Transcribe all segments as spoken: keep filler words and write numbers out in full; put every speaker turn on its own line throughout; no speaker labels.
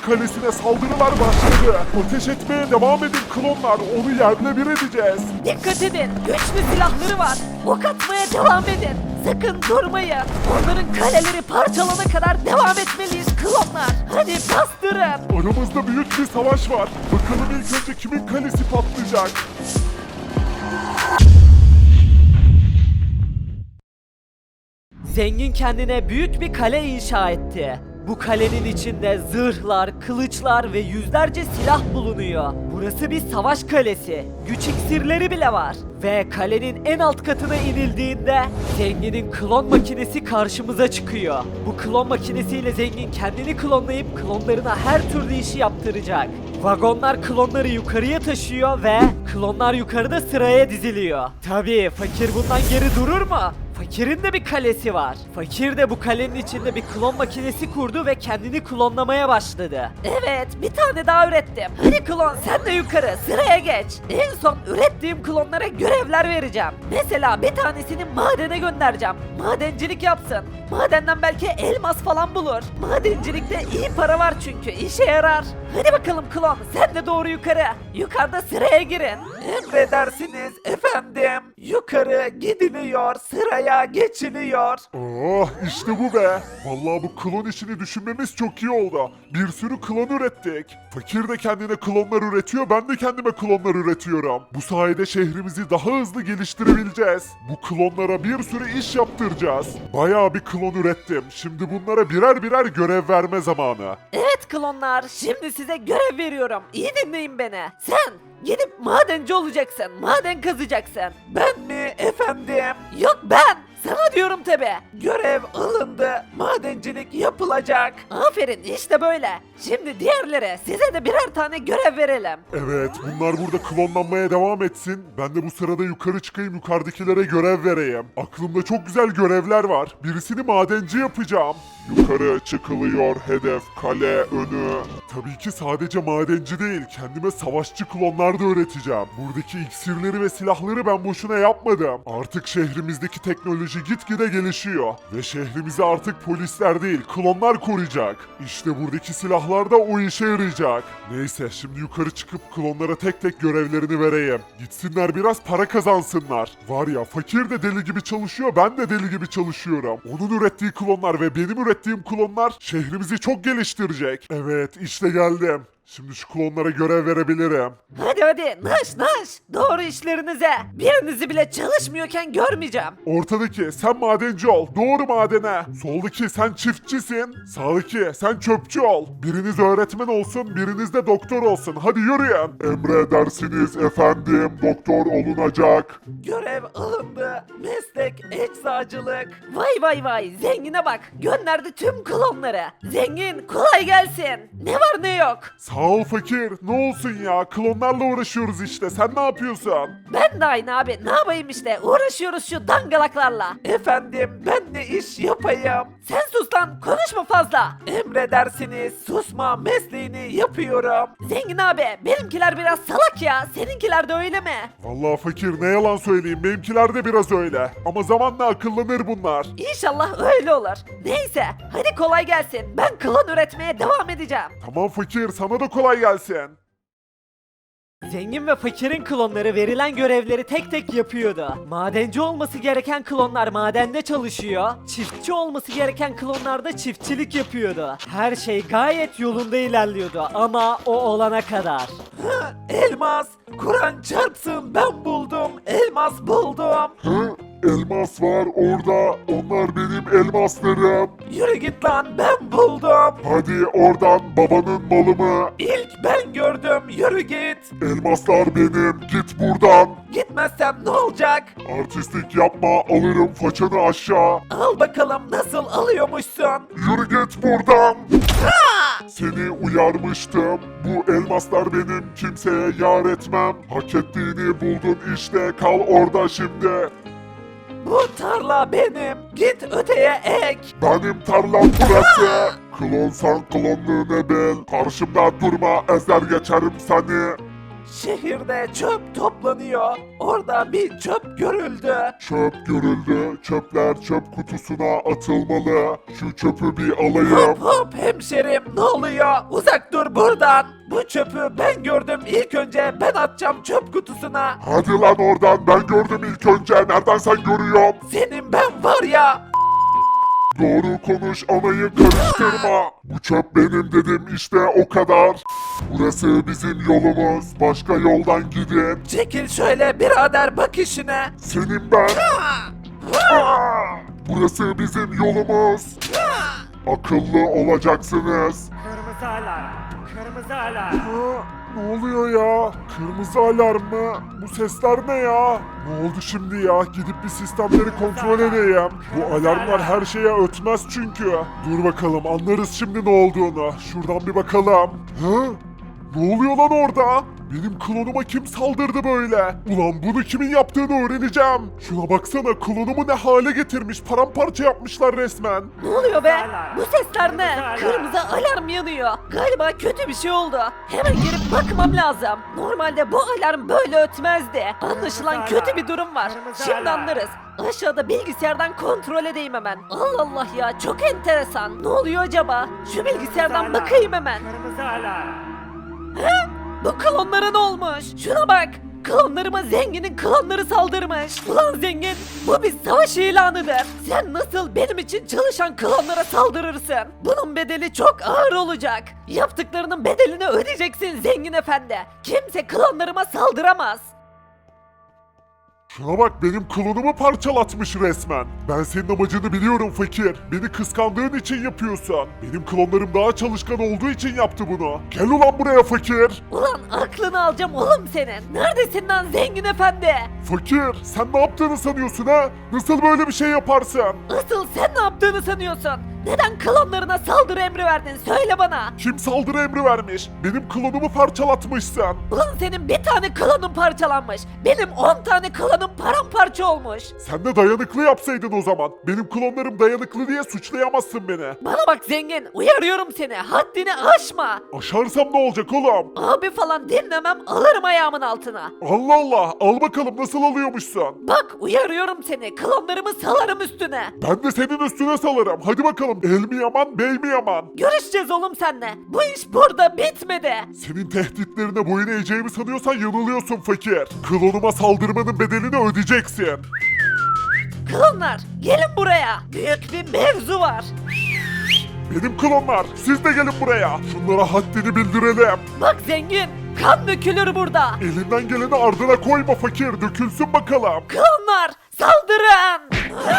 kalesine saldırılar başladı. Ateş etmeye devam edin klonlar. Onu yerle bir edeceğiz.
Dikkat edin, güçlü silahları var. Ok atmaya devam edin. Sakın durmayın. Onların kaleleri parçalana kadar devam etmeliyiz klonlar. Hadi bastırın.
Aramızda büyük bir savaş var. Bakalım ilk önce kimin kalesi patlayacak?
Zengin kendine büyük bir kale inşa etti. Bu kalenin içinde zırhlar, kılıçlar ve yüzlerce silah bulunuyor. Burası bir savaş kalesi. Güç iksirleri bile var. Ve kalenin en alt katına inildiğinde zenginin klon makinesi karşımıza çıkıyor. Bu klon makinesiyle zengin kendini klonlayıp klonlarına her türlü işi yaptıracak. Vagonlar klonları yukarıya taşıyor ve klonlar yukarıda sıraya diziliyor. Tabii fakir bundan geri durur mu? Fakir'in de bir kalesi var. Fakir de bu kalenin içinde bir klon makinesi kurdu ve kendini klonlamaya başladı. Evet, bir tane daha ürettim. Hadi klon sen de yukarı sıraya geç. En son ürettiğim klonlara görevler vereceğim. Mesela bir tanesini madene göndereceğim. Madencilik yapsın. Madenden belki elmas falan bulur. Madencilikte iyi para var çünkü işe yarar. Hadi bakalım klon sen de doğru yukarı. Yukarıda sıraya girin. Emredersiniz efendim. Yukarı gidiliyor, sıraya geçiliyor.
Oh işte bu be. Vallahi bu klon işini düşünmemiz çok iyi oldu. Bir sürü klon ürettik. Fakir de kendine klonlar üretiyor, ben de kendime klonlar üretiyorum. Bu sayede şehrimizi daha hızlı geliştirebileceğiz. Bu klonlara bir sürü iş yaptıracağız. Bayağı bir klon ürettim. Şimdi bunlara birer birer görev verme zamanı.
Evet klonlar, şimdi size görev veriyorum. İyi dinleyin beni. Sen gidip madenci olacaksın, maden kazacaksın. Ben mi efendim? Yok ben. Sana diyorum tabi. Görev alındı. Madencilik yapılacak. Aferin işte böyle. Şimdi diğerlere size de birer tane görev verelim.
Evet, bunlar burada klonlanmaya devam etsin. Ben de bu sırada yukarı çıkayım, yukarıdakilere görev vereyim. Aklımda çok güzel görevler var. Birisini madenci yapacağım. Yukarı çıkılıyor, hedef kale önü. Tabii ki sadece madenci değil, kendime savaşçı klonlar da öğreteceğim. Buradaki iksirleri ve silahları ben boşuna yapmadım. Artık şehrimizdeki teknoloji gitgide gelişiyor. Ve şehrimizi artık polisler değil, klonlar koruyacak. İşte buradaki silahlar da o işe yarayacak. Neyse, şimdi yukarı çıkıp klonlara tek tek görevlerini vereyim. Gitsinler biraz para kazansınlar. Var ya, fakir de deli gibi çalışıyor, ben de deli gibi çalışıyorum. Onun ürettiği klonlar ve benim ürettiğim klonlar şehrimizi çok geliştirecek. Evet, işte geldim. Şimdi şu klonlara görev verebilirim.
Hadi hadi naş naş. Doğru işlerinize. Birinizi bile çalışmıyorken görmeyeceğim.
Ortadaki sen madenci ol, doğru madene. Soldaki sen çiftçisin, sağdaki sen çöpçü ol. Biriniz öğretmen olsun, biriniz de doktor olsun. Hadi yürüyün. Emredersiniz efendim, doktor olunacak.
Görev alındı. Meslek eczacılık. Vay vay vay zengine bak. Gönderdi tüm klonları. Zengin kolay gelsin. Ne var ne yok.
Sağ ol fakir, ne olsun ya, klonlarla uğraşıyoruz işte, sen ne yapıyorsun?
Ben de aynı abi. Ne yapayım işte. Uğraşıyoruz şu dangalaklarla. Efendim ben de iş yapayım. Sen sus lan. Konuşma fazla. Emredersiniz. Susma mesleğini yapıyorum. Zengin abi benimkiler biraz salak ya. Seninkiler de öyle mi?
Vallahi fakir, ne yalan söyleyeyim, benimkiler de biraz öyle. Ama zamanla akıllanır bunlar.
İnşallah öyle olur. Neyse hadi kolay gelsin. Ben klon üretmeye devam edeceğim.
Tamam fakir, sana da kolay gelsin.
Zengin ve fakirin klonları verilen görevleri tek tek yapıyordu. Madenci olması gereken klonlar madende çalışıyor. Çiftçi olması gereken klonlar da çiftçilik yapıyordu. Her şey gayet yolunda ilerliyordu ama o olana kadar. Elmas! Kur'an çarpsın ben buldum. Elmas buldum.
Hı? Elmas var orada, onlar benim elmaslarım.
Yürü git lan ben buldum.
Hadi oradan, babanın malı mı?
İlk ben gördüm yürü git.
Elmaslar benim, git buradan.
Gitmezsem ne olacak?
Artistlik yapma, alırım façanı aşağı.
Al bakalım nasıl alıyormuşsun.
Yürü git buradan. Seni uyarmıştım. Bu elmaslar benim, kimseye yar etmem. Hak ettiğini buldun işte, kal orada şimdi.
Bu tarla benim. Git öteye ek.
Benim tarlam burası. Klonsan klonluğunu bil. Karşımda durma, ezer geçerim seni.
Şehirde çöp toplanıyor. Orada bir çöp görüldü.
Çöp görüldü. Çöpler çöp kutusuna atılmalı. Şu çöpü bir alayım.
Hop hop hemşerim ne oluyor? Uzak dur buradan. Bu çöpü ben gördüm ilk önce ben atacağım çöp kutusuna.
Hadi lan oradan, ben gördüm ilk önce. Nereden sen görüyorsun?
Senin ben var ya.
Doğru konuş, anayı karıştırma. Bu çöp benim dedim, işte o kadar. Burası bizim yolumuz. Başka yoldan gidin.
Çekil şöyle birader bak işine.
Senin ben. Aa! Burası bizim yolumuz. Akıllı olacaksınız.
Kırmızı alarm. Kırmızı alarm.
Ha, ne oluyor ya? Kırmızı alarm mı? Bu sesler ne ya? Ne oldu şimdi ya? Gidip bir sistemleri kontrol edeyim. Bu alarmlar her şeye ötmez çünkü. Dur bakalım, anlarız şimdi ne olduğunu. Şuradan bir bakalım. Hı? Ne oluyor lan orada? Benim klonuma kim saldırdı böyle? Ulan bunu kimin yaptığını öğreneceğim. Şuna baksana, klonumu ne hale getirmiş. Paramparça yapmışlar resmen.
Ne oluyor be?
Alarm.
Bu sesler ne?
Alarm.
Kırmızı alarm yanıyor. Galiba kötü bir şey oldu. Hemen girip bakmam lazım. Normalde bu alarm böyle ötmezdi. Anlaşılan
Kırmızı
kötü
alarm.
bir durum var.
Kırmızı
Şimdi
alarm.
anlarız. Aşağıda bilgisayardan kontrol edeyim hemen. Allah Allah ya, çok enteresan. Ne oluyor acaba? Şu bilgisayardan
Alarm.
bakayım hemen.
Kırmızı alarm.
Bu klonlara ne olmuş? Şuna bak. Klonlarıma zenginin klonları saldırmış. Ulan zengin, bu bir savaş ilanıdır. Sen nasıl benim için çalışan klonlara saldırırsın? Bunun bedeli çok ağır olacak. Yaptıklarının bedelini ödeyeceksin zengin efendi. Kimse klonlarıma saldıramaz.
Şuna bak, benim klonumu parçalatmış resmen. Ben senin amacını biliyorum fakir. Beni kıskandığın için yapıyorsun. Benim klonlarım daha çalışkan olduğu için yaptı bunu. Gel ulan buraya fakir.
Ulan aklını alacağım oğlum senin. Neredesin lan zengin efendi?
Fakir, sen ne yaptığını sanıyorsun ha? Nasıl böyle bir şey yaparsın?
Asıl sen ne yaptığını sanıyorsun? Neden klonlarına saldırı emri verdin? Söyle bana.
Kim saldırı emri vermiş? Benim klonumu parçalatmışsın.
Ulan senin bir tane klonun parçalanmış. Benim on tane klonum paramparça olmuş.
Sen de dayanıklı yapsaydın o zaman. Benim klonlarım dayanıklı diye suçlayamazsın beni.
Bana bak zengin, uyarıyorum seni. Haddini aşma.
Aşarsam ne olacak oğlum?
Abi falan dinlemem, alırım ayağımın altına.
Allah Allah, al bakalım nasıl alıyormuşsun.
Bak uyarıyorum seni. Klonlarımı salarım üstüne.
Ben de senin üstüne salarım. Hadi bakalım, el mi yaman, bey mi yaman?
Görüşeceğiz oğlum seninle. Bu iş burada bitmedi.
Senin tehditlerine boyun eğeceğimi sanıyorsan yanılıyorsun fakir. Klonuma saldırmanın bedelini ödeyeceksin.
Klonlar, gelin buraya. Büyük bir mevzu var.
Benim klonlar, siz de gelin buraya. Şunlara haddini bildirelim.
Bak zengin, kan dökülür burada.
Elinden geleni ardına koyma fakir, dökülsün bakalım.
Klonlar, saldırın.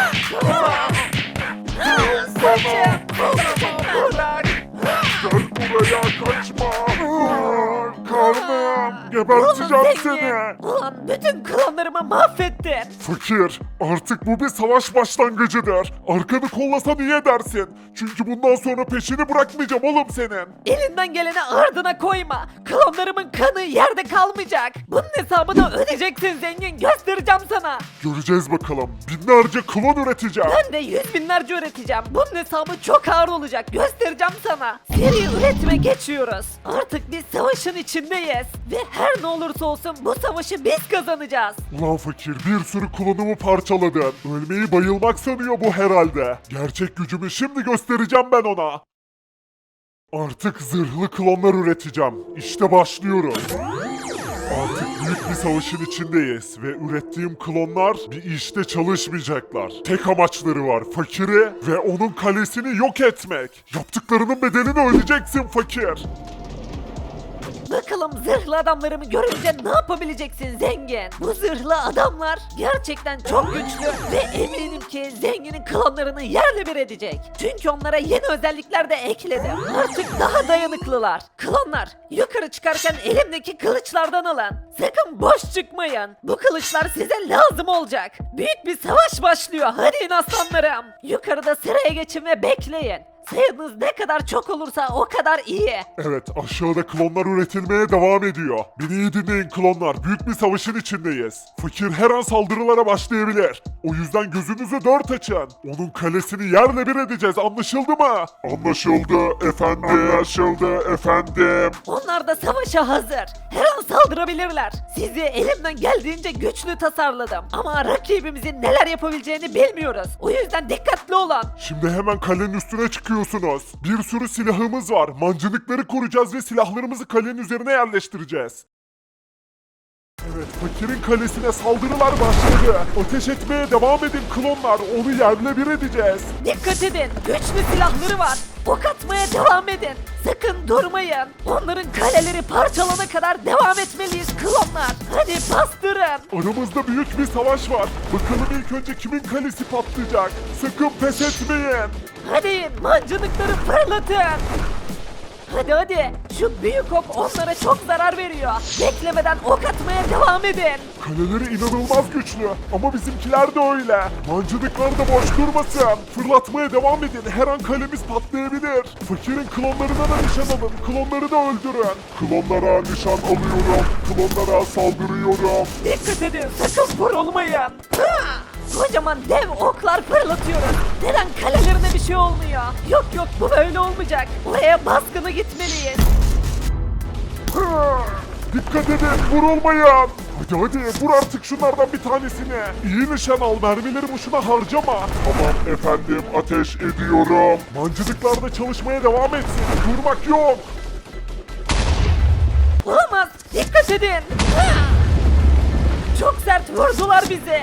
Saçım.
Bırak. Gel buraya, kaçma. Aa, Karnım, geberteceğim
Oğlum
seni.
zengin. Ulan bütün klonlarımı mahvettin.
Fakir, artık bu bir savaş başlangıcıdır. Arkanı kollasan iyi edersin. Çünkü bundan sonra peşini bırakmayacağım oğlum senin.
Elinden geleni ardına koyma. Klonlarımın kanı yerde kalmayacak. Bunun hesabını ödeyeceksin zengin. Göstereceğim sana.
Göreceğiz bakalım. Binlerce klon üreteceğim.
Ben de yüz binlerce üreteceğim. Bunun hesabı çok ağır olacak. Göstereceğim sana. Seri üretime geçiyoruz. Artık biz savaşın içindeyiz. Ve her ne olursa olsun bu savaşı biz kazanacağız.
Ulan fakir, bir sürü klonumu parçaladın. Ölmeyi bayılmak sanıyor bu herhalde. Gerçek gücümü şimdi göstereceğim ben ona. Artık zırhlı klonlar üreteceğim. İşte başlıyoruz. Artık büyük bir savaşın içindeyiz ve ürettiğim klonlar bir işte çalışmayacaklar. Tek amaçları var, fakiri ve onun kalesini yok etmek. Yaptıklarının bedelini ödeyeceksin fakir.
Bakalım zırhlı adamlarımı görünce ne yapabileceksin zengin? Bu zırhlı adamlar gerçekten çok güçlü ve eminim ki zenginin klonlarını yerle bir edecek. Çünkü onlara yeni özellikler de ekledim. Artık daha dayanıklılar. Klonlar yukarı çıkarken elimdeki kılıçlardan alın. Sakın boş çıkmayın. Bu kılıçlar size lazım olacak. Büyük bir savaş başlıyor. Hadi in aslanlarım. Yukarıda sıraya geçin ve bekleyin. Sayınız ne kadar çok olursa o kadar iyi.
Evet, aşağıda klonlar üretilmeye devam ediyor. Beni iyi dinleyin klonlar, büyük bir savaşın içindeyiz. Fakir her an saldırılara başlayabilir. O yüzden gözünüzü dört açın. Onun kalesini yerle bir edeceğiz, anlaşıldı mı? Anlaşıldı efendim. Anlaşıldı efendim.
Onlar da savaşa hazır. Her an saldırabilirler. Sizi elimden geldiğince güçlü tasarladım. Ama rakibimizin neler yapabileceğini bilmiyoruz. O yüzden dikkatli olun.
Şimdi hemen kalenin üstüne çıkıyorsunuz. Bir sürü silahımız var. Mancınıkları koruyacağız ve silahlarımızı kalenin üzerine yerleştireceğiz. Evet, fakirin kalesine saldırılar başladı. Ateş etmeye devam edin klonlar. Onu yerle bir edeceğiz.
Dikkat edin. Güçlü silahları var. Ok atmaya devam edin. Sakın durmayın. Onların kaleleri parçalana kadar devam etmeliyiz klonlar. Hadi bastırın.
Aramızda büyük bir savaş var. Bakalım ilk önce kimin kalesi patlayacak. Sakın pes etmeyin.
Hadi mancınıkları fırlatın. Hadi hadi. Şu büyük ok onlara çok zarar veriyor. Beklemeden ok atmaya devam edin.
Kaleleri inanılmaz güçlü ama bizimkiler de öyle. Mancınıklar da boş durmasın. Fırlatmaya devam edin. Her an kalemiz patlayabilir. Fakirin klonlarına da nişan alın. Klonları da öldürün. Klonlara nişan alıyorum. Klonlara saldırıyorum.
Dikkat edin sakın vurulmayın. Ha! Kocaman dev oklar fırlatıyoruz. Neden kalelerine bir şey olmuyor? Yok yok bu böyle olmayacak. Oraya baskını gitmeliyiz.
Dikkat edin, vurulmayın. Hadi hadi, vur artık şunlardan bir tanesini. İyi nişan al, mermileri boşuna harcama. Tamam efendim, ateş ediyorum. Mancınıklar da çalışmaya devam etsin. Durmak yok.
Olamaz. Dikkat edin. Ha! Çok sert vurdular bizi.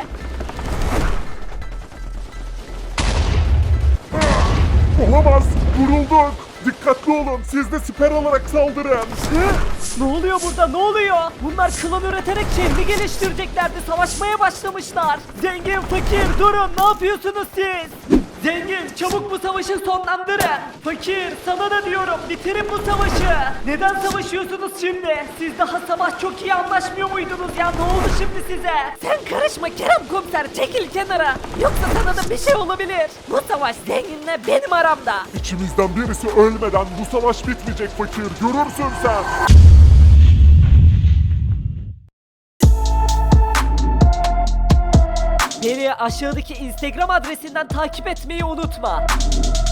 Olamaz, vurulduk. Dikkatli olun, siz de siper alarak saldırın.
Hı? Ne oluyor burada ne oluyor? Bunlar klon üreterek şehri geliştireceklerdi. Savaşmaya başlamışlar. Zengin fakir durun ne yapıyorsunuz siz? Zengin çabuk bu savaşı sonlandırın. Fakir sana da diyorum bitirin bu savaşı. Neden savaşıyorsunuz şimdi? Siz daha sabah çok iyi anlaşmıyor muydunuz ya? Ne oldu şimdi size? Sen karışma Kerem komiser çekil kenara. Yoksa sana da bir şey olabilir. Bu savaş zenginle benim aramda.
İçimizden birisi ölmeden bu savaş bitmeyecek fakir, görürsün sen.
Beni aşağıdaki Instagram adresinden takip etmeyi unutma.